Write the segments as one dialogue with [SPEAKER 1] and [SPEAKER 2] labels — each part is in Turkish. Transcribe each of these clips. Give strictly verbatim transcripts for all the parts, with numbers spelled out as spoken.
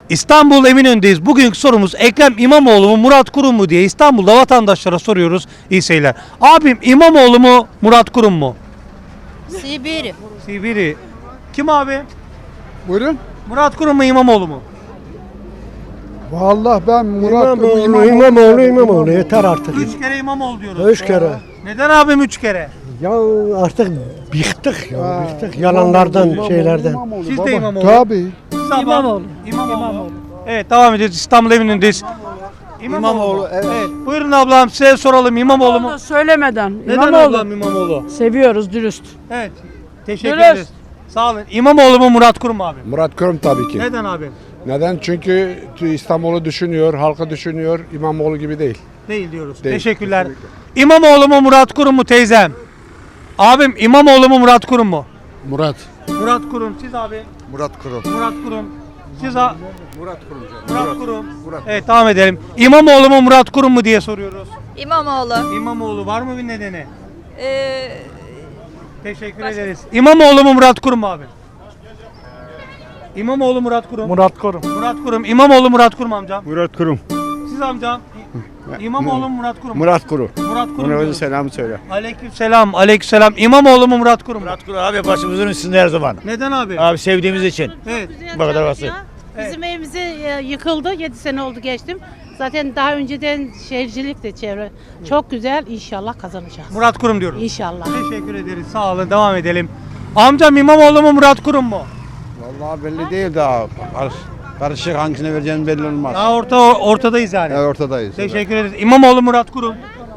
[SPEAKER 1] İstanbul Eminönü'ndeyiz. Bugünkü sorumuz Ekrem İmamoğlu mu Murat Kurum mu diye İstanbul'da vatandaşlara soruyoruz. İyi seyirler. Abim İmamoğlu mu Murat Kurum mu?
[SPEAKER 2] Sibiri.
[SPEAKER 1] Sibiri. Kim abi?
[SPEAKER 3] Buyurun.
[SPEAKER 1] Murat Kurum mu İmamoğlu mu?
[SPEAKER 3] Vallahi ben Murat
[SPEAKER 4] İmamoğlu, İmamoğlu, İmamoğlu. Yeter artık.
[SPEAKER 1] Üç kere İmamoğlu diyoruz.
[SPEAKER 4] Üç kere.
[SPEAKER 1] Neden abim üç kere?
[SPEAKER 4] Ya artık bıktık ya, bıktık yalanlardan, şeylerden.
[SPEAKER 1] Siz de İmamoğlu.
[SPEAKER 3] Tabii.
[SPEAKER 1] Siz abla- İmamoğlu. İmamoğlu. Evet, devam ediyoruz. İstanbul Eminönü'ndeyiz. İmamoğlu. mu?
[SPEAKER 3] evet.
[SPEAKER 1] Evet. Buyurun ablam, size soralım İmamoğlu mu?
[SPEAKER 5] Söylemeden.
[SPEAKER 1] Neden
[SPEAKER 5] İmamoğlu.
[SPEAKER 1] ablam İmamoğlu?
[SPEAKER 5] Seviyoruz dürüst.
[SPEAKER 1] Evet. Teşekkür
[SPEAKER 5] Dürüst.
[SPEAKER 1] ederiz. Sağ olun. İmamoğlu mu Murat Kurum mu abi?
[SPEAKER 6] Murat Kurum tabii ki.
[SPEAKER 1] Neden abi?
[SPEAKER 6] Neden? Çünkü İstanbul'u düşünüyor, halkı düşünüyor. İmamoğlu gibi değil.
[SPEAKER 1] Değil diyoruz.
[SPEAKER 6] Değil,
[SPEAKER 1] Teşekkürler.
[SPEAKER 6] kesinlikle.
[SPEAKER 1] İmamoğlu mu Murat Kurum mu teyzem? Abim İmamoğlu mu Murat Kurum mu?
[SPEAKER 3] Murat.
[SPEAKER 1] Murat Kurum. Siz abi?
[SPEAKER 3] Murat Kurum.
[SPEAKER 1] Murat Kurum. Siz a-
[SPEAKER 6] Murat Kurum
[SPEAKER 1] Murat Kurum. Evet, devam edelim. İmamoğlu mu Murat Kurum mu diye soruyoruz.
[SPEAKER 2] İmamoğlu.
[SPEAKER 1] İmamoğlu var mı bir nedeni?
[SPEAKER 2] Ee,
[SPEAKER 1] Teşekkür ederiz. İmamoğlu mu Murat Kurum mu abi? İmamoğlu Murat Kurum.
[SPEAKER 4] Murat Kurum.
[SPEAKER 1] Murat Kurum. İmamoğlu Murat Kurum amcam.
[SPEAKER 4] Murat Kurum.
[SPEAKER 1] Siz amcam. İmamoğlu mu Murat Kurum mu?
[SPEAKER 4] Murat Kurum.
[SPEAKER 1] Murat Kurum. diyoruz.
[SPEAKER 4] selam söyle.
[SPEAKER 1] Aleykümselam. Aleykümselam. İmamoğlu mu Murat Kurum mu?
[SPEAKER 7] Murat Kurum abi başımızın üstünde her zaman.
[SPEAKER 1] Neden abi?
[SPEAKER 7] Abi sevdiğimiz için.
[SPEAKER 1] Evet.
[SPEAKER 7] Bu kadar basit.
[SPEAKER 8] Bizim evimiz e, yıkıldı. yedi sene oldu geçtim. Zaten daha önceden şehircilik de çevre. Çok güzel. İnşallah kazanacağız.
[SPEAKER 1] Murat Kurum diyoruz.
[SPEAKER 8] İnşallah.
[SPEAKER 1] Teşekkür ederiz. Sağ olun. Devam edelim. Amcam İmamoğlu mu Murat Kurum mu?
[SPEAKER 9] Vallahi belli değil daha. Karış- Karışık hangisine vereceğini belli olmaz.
[SPEAKER 1] Daha orta ortadayız yani.
[SPEAKER 9] Evet, ortadayız.
[SPEAKER 1] Teşekkür ederiz. İmamoğlu Murat Kurum.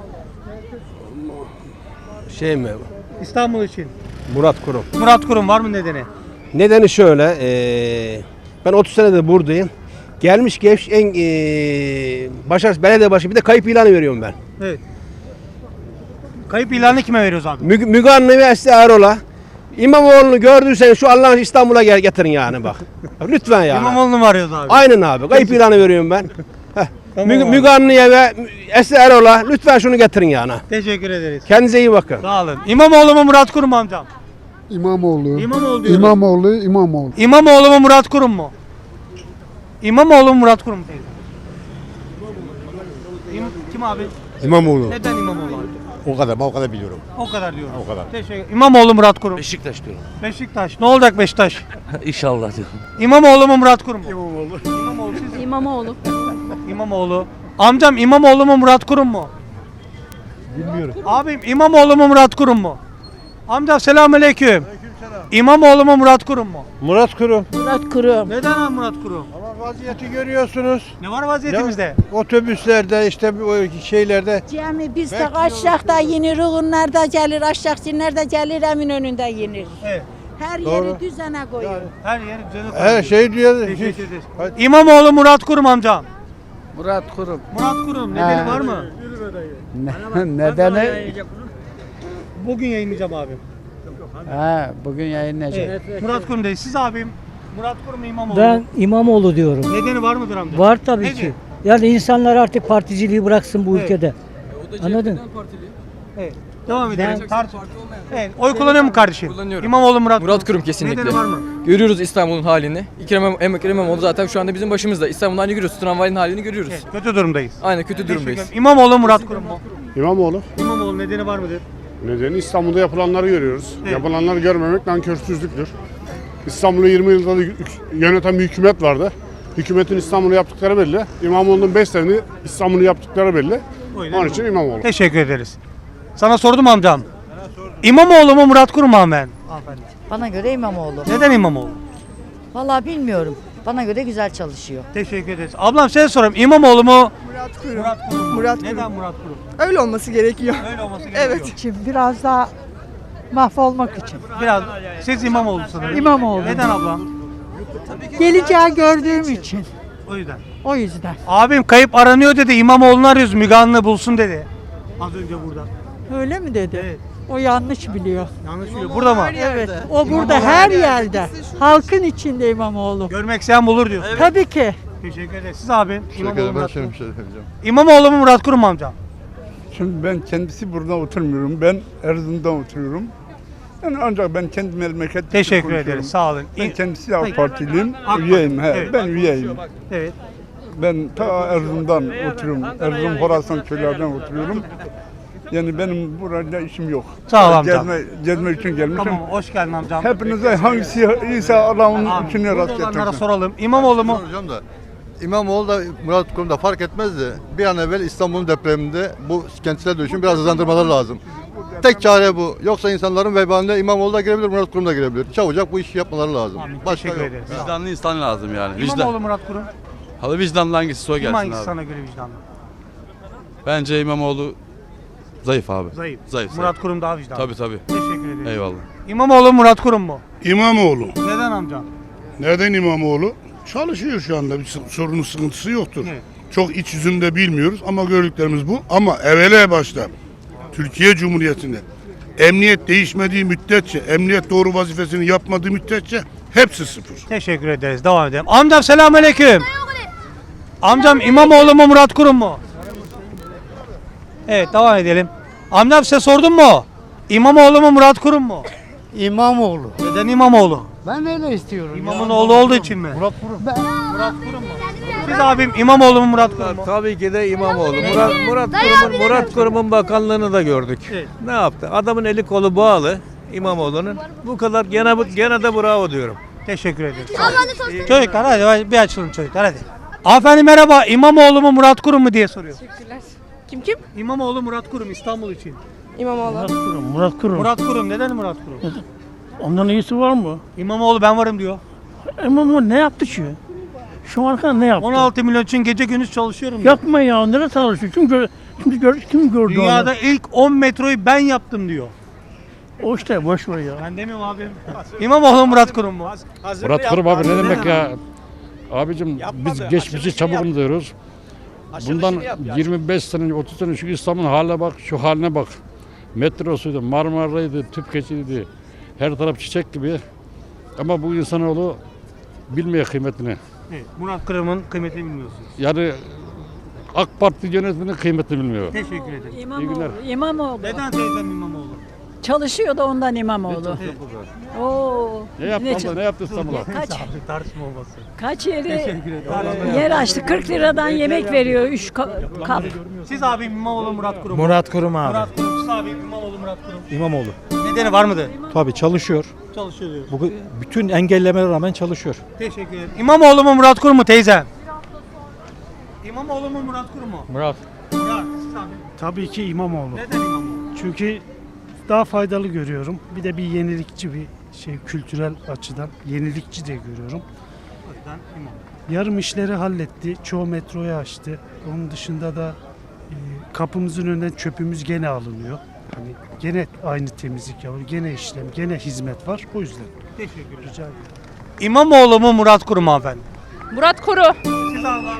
[SPEAKER 10] Şey mi?
[SPEAKER 1] İstanbul için.
[SPEAKER 10] Murat Kurum.
[SPEAKER 1] Murat Kurum var mı nedeni?
[SPEAKER 10] Nedeni şöyle, eee, ben otuz senedir buradayım. Gelmiş geçmiş en eee başarısız belediye başı bir de kayıp ilanı veriyorum ben.
[SPEAKER 1] Evet. Kayıp ilanı kime veriyoruz abi?
[SPEAKER 10] Müg Müge Anlı ve Esra Erol'a. İmamoğlu'nu gördüysen şu Allah'ın İstanbul'a gel getirin yani bak. Lütfen yani.
[SPEAKER 1] İmamoğlu'nu mu arıyoruz abi?
[SPEAKER 10] Aynen abi. Kayıp ilanı veriyorum ben. Heh.
[SPEAKER 1] Tamam
[SPEAKER 10] Müge,
[SPEAKER 1] abi.
[SPEAKER 10] Müge Anlı'ya ve Esra Erol'a lütfen şunu getirin yani.
[SPEAKER 1] Teşekkür ederiz.
[SPEAKER 10] Kendinize iyi bakın.
[SPEAKER 1] Sağ olun. İmamoğlu mu Murat Kurum mu amcam?
[SPEAKER 3] İmamoğlu.
[SPEAKER 1] İmamoğlu diyoruz.
[SPEAKER 3] İmamoğlu, İmamoğlu.
[SPEAKER 1] İmamoğlu mu Murat Kurum mu? İmamoğlu mu Murat Kurum mu teyze? İm- Kim abi?
[SPEAKER 6] İmamoğlu.
[SPEAKER 1] Neden İmamoğlu abi?
[SPEAKER 6] O kadar, ben o kadar biliyorum.
[SPEAKER 1] O kadar diyorum.
[SPEAKER 6] O kadar.
[SPEAKER 1] Teşekkür. İmamoğlu Murat Kurum.
[SPEAKER 7] Beşiktaş diyorum.
[SPEAKER 1] Beşiktaş. Ne olacak Beşiktaş?
[SPEAKER 7] İnşallah diyorum.
[SPEAKER 1] İmamoğlu mu Murat Kurum mu? İmamoğlu. İmamoğlu. Siz
[SPEAKER 8] İmamoğlu.
[SPEAKER 1] İmamoğlu. Amcam İmamoğlu mu Murat Kurum mu? Bilmiyorum. Abim İmamoğlu mu Murat Kurum mu? Amcam selamünaleyküm. İmamoğlu mu Murat Kurum mu?
[SPEAKER 4] Murat Kurum.
[SPEAKER 8] Murat Kurum.
[SPEAKER 1] Neden abi Murat Kurum?
[SPEAKER 4] Ama vaziyeti görüyorsunuz.
[SPEAKER 1] Ne var vaziyetimizde?
[SPEAKER 4] Otobüslerde işte bu şeylerde.
[SPEAKER 11] Cemi biz de aşağıda yenir, Uğunlar'da gelir, Aşağısinler'de gelir, Eminönü'nde yenir.
[SPEAKER 1] Evet.
[SPEAKER 11] Her
[SPEAKER 4] Doğru.
[SPEAKER 11] yeri düzene koyuyor.
[SPEAKER 1] Her yer düzeni
[SPEAKER 4] Her
[SPEAKER 1] koyuyor.
[SPEAKER 4] şey diyor.
[SPEAKER 1] Teşekkür ederiz. İmamoğlu Murat Kurum amcam.
[SPEAKER 3] Murat Kurum.
[SPEAKER 1] Murat Kurum nedeni var mı?
[SPEAKER 3] Nedeni?
[SPEAKER 1] Bugün yayınlayacağım abim.
[SPEAKER 3] Ha, bugün yayınlayacak.
[SPEAKER 1] Evet. Murat Kurum değil. Siz abim Murat Kurum mu İmamoğlu?
[SPEAKER 12] Ben İmamoğlu diyorum.
[SPEAKER 1] Nedeni var mıdır amca?
[SPEAKER 12] Var tabii
[SPEAKER 1] Nedir?
[SPEAKER 12] ki. Yani insanlar artık particiliği bıraksın bu
[SPEAKER 1] Evet.
[SPEAKER 12] ülkede. Anladın?
[SPEAKER 1] Evet. Devam edelim. Tartış. Evet. Oy kullanıyor mu kardeşim?
[SPEAKER 13] Kullanıyorum.
[SPEAKER 1] İmamoğlu Murat
[SPEAKER 13] Murat Kurum kesinlikle.
[SPEAKER 1] Nedeni var mı?
[SPEAKER 13] Görüyoruz İstanbul'un halini. Ekrem İmam- Ekrem İmamoğlu zaten şu anda bizim başımızda. İstanbul'un halini görüyoruz. Tramvayın halini görüyoruz.
[SPEAKER 1] Evet. Kötü durumdayız.
[SPEAKER 13] Aynen kötü
[SPEAKER 1] Teşekkür
[SPEAKER 13] durumdayız.
[SPEAKER 1] ederim. İmamoğlu Murat Kurum mu?
[SPEAKER 6] İmamoğlu.
[SPEAKER 1] İmamoğlu nedeni var mıdır?
[SPEAKER 6] Nedeni İstanbul'da yapılanları görüyoruz.
[SPEAKER 1] Evet.
[SPEAKER 6] Yapılanları görmemek nankörsüzlüktür. İstanbul'u yirmi yılda da yöneten bir hükümet vardı. Hükümetin İstanbul'u yaptıkları belli. İmamoğlu'nun beş sene İstanbul'u yaptıkları belli. Onun için İmamoğlu.
[SPEAKER 1] Teşekkür ederiz. Sana sordum amcam. İmamoğlu mu Murat Kurum mu ben? Hanımefendi.
[SPEAKER 2] bana göre İmamoğlu.
[SPEAKER 1] Neden İmamoğlu?
[SPEAKER 2] Vallahi bilmiyorum. Bana göre güzel çalışıyor.
[SPEAKER 1] Teşekkür ederiz. Ablam size sorayım. İmamoğlu mu?
[SPEAKER 5] Murat Kurum.
[SPEAKER 1] Murat Kurum mu?
[SPEAKER 5] Murat
[SPEAKER 1] Neden Murat Kurum?
[SPEAKER 5] Öyle olması gerekiyor.
[SPEAKER 1] Öyle olması gerekiyor.
[SPEAKER 5] Şimdi biraz daha mahvolmak için.
[SPEAKER 1] Biraz. Siz İmamoğlu sanırım.
[SPEAKER 5] İmamoğlu.
[SPEAKER 1] Neden ablam?
[SPEAKER 5] Geleceği gördüğüm için.
[SPEAKER 1] O yüzden.
[SPEAKER 5] O yüzden.
[SPEAKER 1] Abim kayıp aranıyor dedi. İmamoğlu'nu arıyoruz. Müge Anlı bulsun dedi. Az önce burada.
[SPEAKER 5] Öyle mi dedi?
[SPEAKER 1] Evet.
[SPEAKER 5] O yanlış biliyor.
[SPEAKER 1] Yanlış biliyor. Burada mı?
[SPEAKER 5] Evet. O burada her yerde. Halkın içinde İmamoğlu.
[SPEAKER 1] Görmek isteyen bulur diyor.
[SPEAKER 5] Tabii ki.
[SPEAKER 1] Teşekkür ederiz. Siz abi. İmamoğlu Murat Kurum.
[SPEAKER 3] şey söyleyeceğim.
[SPEAKER 1] İmamoğlu mu Murat Kurum mu amcam?
[SPEAKER 3] Şimdi ben kendisi burada oturmuyorum. Ben Erzurum'da oturuyorum.
[SPEAKER 9] Yani ancak ben kendi memleket
[SPEAKER 1] Teşekkür ederiz. Sağ olun.
[SPEAKER 9] Ben
[SPEAKER 1] İyi-
[SPEAKER 9] kendisi AK
[SPEAKER 1] Peki.
[SPEAKER 9] Partiliyim.
[SPEAKER 1] AK Parti.
[SPEAKER 9] Üyeyim. He,
[SPEAKER 1] Evet.
[SPEAKER 9] Ben üyeyim.
[SPEAKER 1] Evet.
[SPEAKER 9] Ben ta Erzurum'dan oturuyorum. Erzurum Horasan köylerden oturuyorum. Yani benim burada işim yok.
[SPEAKER 1] Sağ ol amcam.
[SPEAKER 9] Gezme, gezme için gelmişim.
[SPEAKER 1] Tamam, hoş geldin amcam.
[SPEAKER 9] Hepinize hangisi iyiyse Allah'ın
[SPEAKER 1] Abi,
[SPEAKER 9] içine rast
[SPEAKER 1] burada olanlara
[SPEAKER 9] getirsin.
[SPEAKER 1] soralım. İmamoğlu mu?
[SPEAKER 14] Hocam da İmamoğlu da Murat Kurum da fark etmez de bir an evvel İstanbul'un depreminde bu kentsel dönüşümü biraz hızlandırmaları lazım. Tek çare bu. Yoksa insanların vebaline İmamoğlu da girebilir, Murat Kurum da girebilir. Çabucak bu işi yapmaları lazım.
[SPEAKER 1] Amin,
[SPEAKER 14] Başka
[SPEAKER 1] teşekkür
[SPEAKER 14] yok.
[SPEAKER 1] ederiz.
[SPEAKER 15] Vicdanlı insan lazım yani.
[SPEAKER 1] İmamoğlu, Murat Kurum.
[SPEAKER 15] Halı vicdanlı hangisi o
[SPEAKER 1] Kim
[SPEAKER 15] gelsin
[SPEAKER 1] hangisi
[SPEAKER 15] abi.
[SPEAKER 1] sana göre vicdanlı?
[SPEAKER 15] Bence İmamoğlu zayıf abi.
[SPEAKER 1] Zayıf.
[SPEAKER 15] Zayıf.
[SPEAKER 1] Murat Kurum daha vicdanlı.
[SPEAKER 15] Tabii tabii.
[SPEAKER 1] Teşekkür ederim.
[SPEAKER 15] Eyvallah.
[SPEAKER 1] İmamoğlu, Murat Kurum mu?
[SPEAKER 6] İmamoğlu.
[SPEAKER 1] Neden amcam?
[SPEAKER 6] Neden İmamoğlu? Çalışıyor şu anda. Bir sorunu sıkıntısı yoktur.
[SPEAKER 1] Evet.
[SPEAKER 6] Çok iç yüzünü de bilmiyoruz ama gördüklerimiz bu. Ama evvela başta Türkiye Cumhuriyeti'nde emniyet değişmediği müddetçe, emniyet doğru vazifesini yapmadığı müddetçe hepsi sıfır.
[SPEAKER 1] Teşekkür ederiz. Devam edelim. Amcam selamünaleyküm. Amcam İmamoğlu mu, Murat Kurum mu? Evet, devam edelim. Amcam size sordum mu? İmamoğlu mu, Murat Kurum mu?
[SPEAKER 4] İmamoğlu.
[SPEAKER 1] Neden İmamoğlu?
[SPEAKER 4] Ben öyle istiyorum.
[SPEAKER 1] İmamın oğlu olduğu için mi? Murat Kurum. Murat Kurum mu? Siz abim İmamoğlu mu, Murat Kurum mu?
[SPEAKER 7] Tabii ki de İmamoğlu. Murat, Murat Kurum'un Murat Kurum'un bakanlığını da gördük.
[SPEAKER 1] Evet.
[SPEAKER 7] Ne yaptı? Adamın eli kolu bağlı İmamoğlu'nun. Bu kadar gene gene de bravo diyorum.
[SPEAKER 1] Teşekkür ederim. Çocuklar hadi bir açılın çocuklar hadi. Hanımefendi merhaba. İmamoğlu mu, Murat Kurum mu diye soruyor.
[SPEAKER 5] Kim kim?
[SPEAKER 1] İmamoğlu, Murat Kurum İstanbul için.
[SPEAKER 5] İmamoğlu.
[SPEAKER 4] Murat Kurum. Murat Kurum.
[SPEAKER 1] Murat Kurum neden Murat Kurum?
[SPEAKER 4] Ondan iyisi var mı?
[SPEAKER 1] İmamoğlu ben varım diyor.
[SPEAKER 4] İmamoğlu ne yaptı ki? Şu an kadar ne yaptı?
[SPEAKER 1] on altı milyon için gece gündüz çalışıyorum diyor.
[SPEAKER 4] Yapma ya. Nereye çalışıyor? Kim, gör, kim, gör, kim gördü
[SPEAKER 1] Dünyada
[SPEAKER 4] onu?
[SPEAKER 1] ilk on metroyu ben yaptım diyor.
[SPEAKER 4] O işte boş ver ya.
[SPEAKER 1] Ben demiyorum abim. İmamoğlu, Murat Kurum mu?
[SPEAKER 15] Murat Kurum abi ne demek ya? Abicim biz geçmişi çabuk unutuyoruz. Bundan yirmi beş sene, otuz sene şu İstanbul'un haline bak, şu haline bak. Metrosuydu, Marmara'ydı, Tüpkeçi'ydi. Her taraf çiçek gibi. Ama bu insanoğlu bilmiyor kıymetini.
[SPEAKER 1] Evet, Murat Kurum'un kıymetini bilmiyorsunuz.
[SPEAKER 15] Yani AK Parti yönetiminin kıymetini bilmiyor.
[SPEAKER 1] Teşekkür ederim.
[SPEAKER 15] İyi günler.
[SPEAKER 5] İmamoğlu.
[SPEAKER 1] Neden teyzem İmamoğlu?
[SPEAKER 5] Çalışıyor da ondan İmamoğlu. Oo.
[SPEAKER 15] Ne yaptı
[SPEAKER 5] Ne
[SPEAKER 15] abla, ne yaptı İstanbul'a?
[SPEAKER 5] Kaç
[SPEAKER 1] Tartışma olmasın.
[SPEAKER 5] kaç yeri
[SPEAKER 1] Teşekkür ederim.
[SPEAKER 5] yer açtı. kırk liradan yemek veriyor üç kap.
[SPEAKER 1] Siz abim İmamoğlu, Murat Kurum mu?
[SPEAKER 3] Murat Kurum abi.
[SPEAKER 1] Murat Kurum. Siz abim İmamoğlu, Murat Kurum.
[SPEAKER 3] İmamoğlu.
[SPEAKER 1] Nedeni var mıdır?
[SPEAKER 3] Tabii çalışıyor.
[SPEAKER 1] Çalışıyor diyor.
[SPEAKER 3] Bugün bütün engellemelere rağmen çalışıyor.
[SPEAKER 1] Teşekkür ederim. İmamoğlu mu, Murat Kurum mu teyzem? İmamoğlu mu, Murat Kurum mu?
[SPEAKER 3] Murat.
[SPEAKER 1] Murat. Siz abim.
[SPEAKER 4] Tabii ki İmamoğlu.
[SPEAKER 1] Neden İmamoğlu?
[SPEAKER 4] Çünkü daha faydalı görüyorum. Bir de bir yenilikçi bir şey kültürel açıdan yenilikçi de görüyorum.
[SPEAKER 1] O yüzden İmamoğlu.
[SPEAKER 4] Yarım işleri halletti. Çoğu metroyu açtı. Onun dışında da e, kapımızın önünden çöpümüz gene alınıyor. Hani gene aynı temizlik yapıyor. Gene işlem, gene hizmet var. O yüzden
[SPEAKER 1] Teşekkür ederim.
[SPEAKER 4] rica ederim.
[SPEAKER 1] İmamoğlu mu, Murat Kurum mu efendim?
[SPEAKER 8] Murat Kuru.
[SPEAKER 1] Siz abla.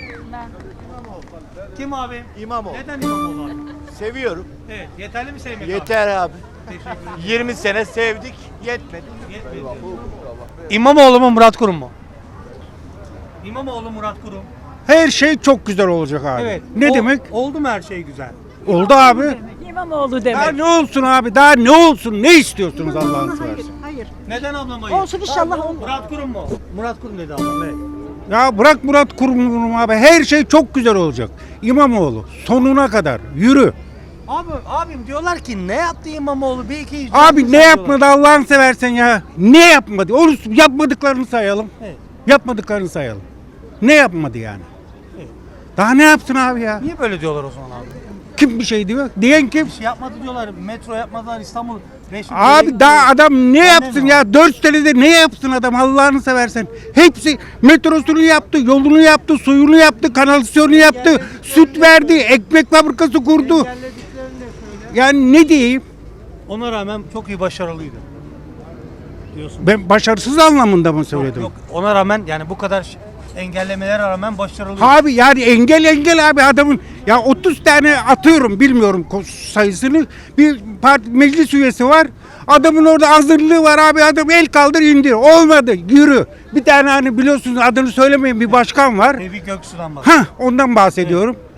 [SPEAKER 1] Kim abi?
[SPEAKER 7] İmamoğlu.
[SPEAKER 1] Neden İmamoğlu abi?
[SPEAKER 7] Seviyorum.
[SPEAKER 1] Evet. Yeterli mi sevmek abi?
[SPEAKER 7] Yeter abi.
[SPEAKER 1] Teşekkür ederim.
[SPEAKER 7] yirmi sene sevdik, yetmedi.
[SPEAKER 1] Yetmedi. İmamoğlu mu, Murat Kurum mu? İmamoğlu, Murat Kurum.
[SPEAKER 3] Her şey çok güzel olacak abi.
[SPEAKER 1] Evet.
[SPEAKER 3] Ne
[SPEAKER 1] O-
[SPEAKER 3] demek?
[SPEAKER 1] Oldu mu her şey güzel?
[SPEAKER 3] Oldu abi.
[SPEAKER 5] İmamoğlu
[SPEAKER 3] Daha
[SPEAKER 5] demek.
[SPEAKER 3] ne olsun abi? Daha ne olsun? Ne istiyorsunuz Allah'ını seversen?
[SPEAKER 5] Hayır.
[SPEAKER 1] Neden ablam hayır?
[SPEAKER 5] Olsun inşallah olur.
[SPEAKER 1] Murat Kurum mu? Murat Kurum dedi ablam. Evet.
[SPEAKER 3] Ya bırak Murat Kurum'u abi. Her şey çok güzel olacak. İmamoğlu sonuna kadar yürü.
[SPEAKER 1] Abi abim diyorlar ki ne yaptı İmamoğlu? Bir iki
[SPEAKER 3] Abi ne yapmadı Allah'ını seversen ya? Ne yapmadı? Onu yapmadıklarını sayalım.
[SPEAKER 1] Evet.
[SPEAKER 3] Yapmadıklarını sayalım. Ne yapmadı yani?
[SPEAKER 1] Evet.
[SPEAKER 3] Daha ne yapsın abi ya?
[SPEAKER 1] Niye böyle diyorlar o zaman abi?
[SPEAKER 3] Kim bir şey diyor? Diyen kim?
[SPEAKER 1] Bir şey yapmadı diyorlar. Metro yapmadılar İstanbul. beş
[SPEAKER 3] Abi daha adam ne
[SPEAKER 1] Ben
[SPEAKER 3] yapsın
[SPEAKER 1] ne
[SPEAKER 3] ya? Dört senede ne yapsın adam Allah'ını seversen? Hepsi metrosunu yaptı, yolunu yaptı, suyunu yaptı, kanalizasyonu yaptı, süt verdi, ekmek fabrikası kurdu. Yani ne diyeyim?
[SPEAKER 1] Ona rağmen çok iyi başarılıydı. Diyorsun.
[SPEAKER 3] Ben başarısız anlamında mı söyledim?
[SPEAKER 1] Yok, ona rağmen yani bu kadar ş- engellemelere rağmen başarılıydı.
[SPEAKER 3] Abi yani engel engel abi adamın ya otuz tane atıyorum bilmiyorum ko- sayısını bir parti meclis üyesi var. Adamın orada hazırlığı var abi adam el kaldır indir olmadı yürü. Bir tane hani biliyorsunuz adını söylemeyin bir başkan var.
[SPEAKER 1] Tevfik Göksu'dan bak.
[SPEAKER 3] Ha ondan bahsediyorum.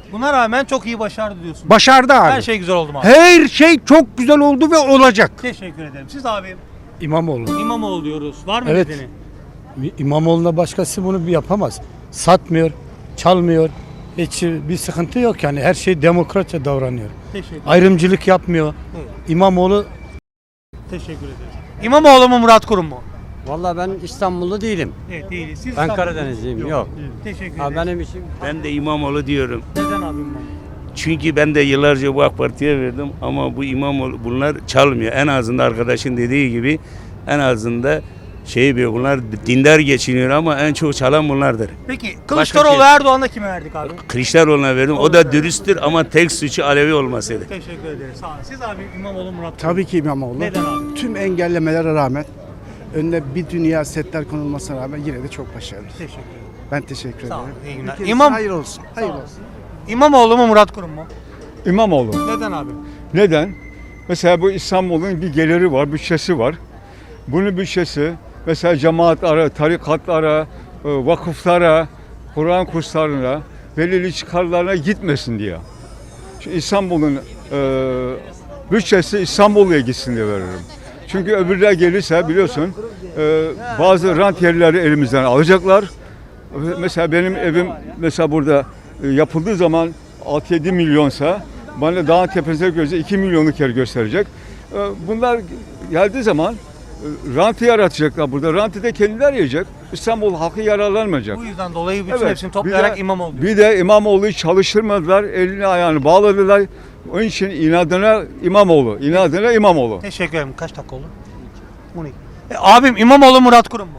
[SPEAKER 1] Buna rağmen çok iyi başardı diyorsun.
[SPEAKER 3] Başardı abi.
[SPEAKER 1] Her şey güzel oldu mu abi?
[SPEAKER 3] Her şey çok güzel oldu ve olacak.
[SPEAKER 1] Teşekkür ederim. Siz abi
[SPEAKER 4] İmamoğlu.
[SPEAKER 1] İmamoğlu diyoruz. Var mı
[SPEAKER 4] Evet.
[SPEAKER 1] nedeni?
[SPEAKER 4] İmamoğlu'na başkası bunu bir yapamaz. Satmıyor, çalmıyor. Hiç bir sıkıntı yok yani. Her şey demokratça davranıyor.
[SPEAKER 1] Teşekkür ederim.
[SPEAKER 4] Ayrımcılık yapmıyor. İmamoğlu
[SPEAKER 1] Teşekkür ederim. İmamoğlu mu Murat Kurum mu?
[SPEAKER 12] Vallahi ben İstanbullu değilim.
[SPEAKER 1] Evet değiliz. Siz
[SPEAKER 12] Ben
[SPEAKER 1] İstanbul'da-
[SPEAKER 12] Karadenizliyim. Yok.
[SPEAKER 1] Teşekkür
[SPEAKER 12] Ha,
[SPEAKER 1] ederim.
[SPEAKER 12] benim için
[SPEAKER 7] Ben de İmamoğlu diyorum.
[SPEAKER 1] Neden abi İmamoğlu?
[SPEAKER 7] Çünkü ben de yıllarca bu AK Parti'ye verdim ama bu İmamoğlu bunlar çalmıyor. En azından arkadaşın dediği gibi en azından şey bir bunlar dindar geçiniyor ama en çok çalan bunlardır.
[SPEAKER 1] Peki Kılıçdaroğlu
[SPEAKER 7] şey-
[SPEAKER 1] Erdoğan'a kime verdik abi?
[SPEAKER 7] Kılıçdaroğlu'na verdim. O da dürüsttür ama tek suçu Alevi olmasıydı.
[SPEAKER 1] Teşekkür ederiz. Sağ olun. Siz abi İmamoğlu Murat Kurum.
[SPEAKER 4] tabii ki İmamoğlu.
[SPEAKER 1] Neden abi?
[SPEAKER 4] Tüm engellemelere rağmen önüne bir dünya setler konulmasına rağmen yine de çok başarılı.
[SPEAKER 1] Teşekkür ederim.
[SPEAKER 4] Ben teşekkür
[SPEAKER 1] Sağ olun.
[SPEAKER 4] ederim.
[SPEAKER 1] İyi günler.
[SPEAKER 4] Ülkemize
[SPEAKER 1] İmam
[SPEAKER 4] hayır olsun. Hayır olsun.
[SPEAKER 1] İmamoğlu mu Murat Kurum mu?
[SPEAKER 9] İmamoğlu.
[SPEAKER 1] Neden abi?
[SPEAKER 9] Neden? Mesela bu İstanbul'un bir geliri var, bütçesi var. Bunun bütçesi mesela cemaatlara, tarikatlara, e, vakıflara, Kur'an kurslarına, belirli çıkarlarına gitmesin diye. Şu İstanbul'un e, bütçesi İstanbul'a gitsin diye veririm. Çünkü öbürler gelirse biliyorsun e, bazı rant yerleri elimizden alacaklar. Mesela benim evim mesela burada e, yapıldığı zaman altı yedi milyonsa bana dağın tepesine göre iki milyonluk yer gösterecek. E, Bunlar geldiği zaman e, rantı yaratacaklar burada. Rantı da kendiler yiyecek. İstanbul halkı yararlanmayacak.
[SPEAKER 1] Bu yüzden dolayı bütün
[SPEAKER 9] Evet,
[SPEAKER 1] hepsini
[SPEAKER 9] bir
[SPEAKER 1] toplayarak
[SPEAKER 9] de-
[SPEAKER 1] İmamoğlu diyor.
[SPEAKER 9] Bir de İmamoğlu'yu çalıştırmadılar, elini ayağını bağladılar. Onun için inadına İmamoğlu, inadına İmamoğlu.
[SPEAKER 1] Teşekkür ederim. Kaç dakika oldu? on iki. E, abim İmamoğlu Murat Kurum mu?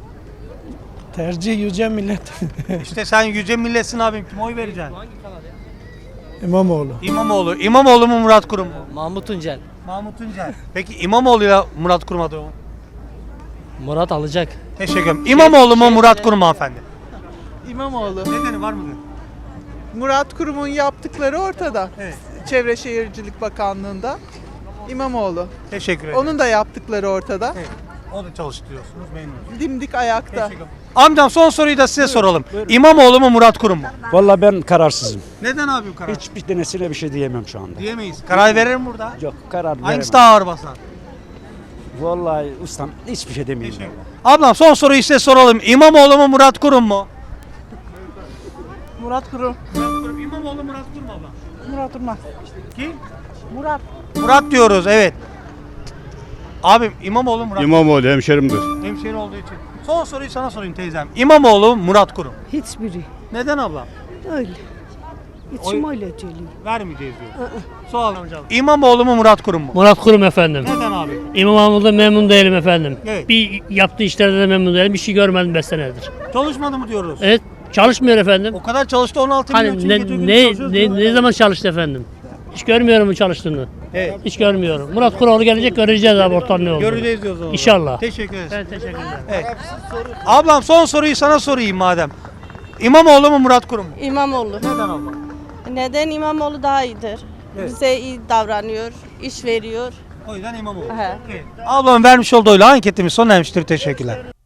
[SPEAKER 4] Tercih yüce millet.
[SPEAKER 1] İşte sen yüce milletsin abim. Kime oy vereceksin?
[SPEAKER 4] İmamoğlu.
[SPEAKER 1] İmamoğlu. İmamoğlu mu Murat Kurum mu?
[SPEAKER 12] Mahmut Tuncel.
[SPEAKER 1] Mahmut Tuncel. Peki İmamoğlu'yla Murat Kurum adayı mı?
[SPEAKER 12] Murat alacak.
[SPEAKER 1] Teşekkür ederim. İmamoğlu mu Murat Kurum mu hanımefendi?
[SPEAKER 5] İmamoğlu.
[SPEAKER 1] Nedeni var mıdır?
[SPEAKER 5] Murat Kurum'un yaptıkları ortada.
[SPEAKER 1] Evet.
[SPEAKER 5] Çevre Şehircilik Bakanlığı'nda. İmamoğlu.
[SPEAKER 1] Teşekkür ederim.
[SPEAKER 5] Onun da yaptıkları ortada.
[SPEAKER 1] Evet. O da çalıştırıyorsunuz memnunum.
[SPEAKER 5] Dimdik ayakta.
[SPEAKER 1] Teşekkür ederim. Amcam son soruyu da size soralım. İmamoğlu mu Murat Kurum mu?
[SPEAKER 12] Vallahi ben kararsızım.
[SPEAKER 1] Neden abi bu karar?
[SPEAKER 12] Hiçbir tanesine bir şey diyemem şu anda.
[SPEAKER 1] Diyemeyiz. Karar veririm burada.
[SPEAKER 12] Yok karar veremem.
[SPEAKER 1] Hangisi daha ağır basar?
[SPEAKER 12] Vallahi ustam hiçbir şey demeyeyim.
[SPEAKER 1] Ablam son soruyu size soralım. İmamoğlu mu Murat Kurum mu?
[SPEAKER 5] Murat Kurum.
[SPEAKER 1] Murat Kurum. İmamoğlu Murat Kurum ablam.
[SPEAKER 5] Murat Kurum.
[SPEAKER 1] Kim?
[SPEAKER 5] Murat.
[SPEAKER 1] Murat diyoruz evet. Abim İmamoğlu Murat
[SPEAKER 6] İmamoğlu hemşerimdir.
[SPEAKER 1] Hemşehri olduğu için. Son soruyu sana sorayım teyzem. İmamoğlu Murat Kurum.
[SPEAKER 5] Hiçbiri.
[SPEAKER 1] Neden ablam?
[SPEAKER 5] Öyle.
[SPEAKER 1] İçim
[SPEAKER 5] öyle geliyor.
[SPEAKER 1] Vermeyeceğiz diyor. Sağ olun hocam. İmamoğlu mu Murat Kurum mu?
[SPEAKER 12] Murat Kurum efendim.
[SPEAKER 1] Neden abi?
[SPEAKER 12] İmamoğlu'ndan memnun değilim efendim.
[SPEAKER 1] Evet.
[SPEAKER 12] Bir yaptığı işlerde de memnun değilim. Bir şey görmedim beş senedir.
[SPEAKER 1] Çalışmadı mı diyoruz?
[SPEAKER 12] Evet çalışmıyor efendim.
[SPEAKER 1] O kadar çalıştı on altı milyon
[SPEAKER 12] Hani
[SPEAKER 1] için
[SPEAKER 12] ne,
[SPEAKER 1] gece gündüz
[SPEAKER 12] ne,
[SPEAKER 1] çalışıyoruz
[SPEAKER 12] ne,
[SPEAKER 1] diyorlar.
[SPEAKER 12] ne zaman çalıştı efendim? Hiç görmüyorum bu çalıştığını.
[SPEAKER 1] Evet.
[SPEAKER 12] Hiç görmüyorum. Murat Kuroğlu gelecek göreceğiz abi ortam ne olduğunu.
[SPEAKER 1] Göreceğiz diyoruz o zaman.
[SPEAKER 12] İnşallah.
[SPEAKER 1] Teşekkür ederiz.
[SPEAKER 12] Ben teşekkür ederim.
[SPEAKER 1] Evet. Ablam son soruyu sana sorayım madem. İmamoğlu mu Murat Kurum mu?
[SPEAKER 8] İmamoğlu.
[SPEAKER 1] Neden abla?
[SPEAKER 8] Neden İmamoğlu daha iyidir?
[SPEAKER 1] Evet.
[SPEAKER 8] Bize iyi davranıyor, iş veriyor.
[SPEAKER 1] O yüzden İmamoğlu.
[SPEAKER 8] He.
[SPEAKER 1] Evet. Ablam vermiş olduğu oyla anketimiz sona ermiştir. Teşekkürler.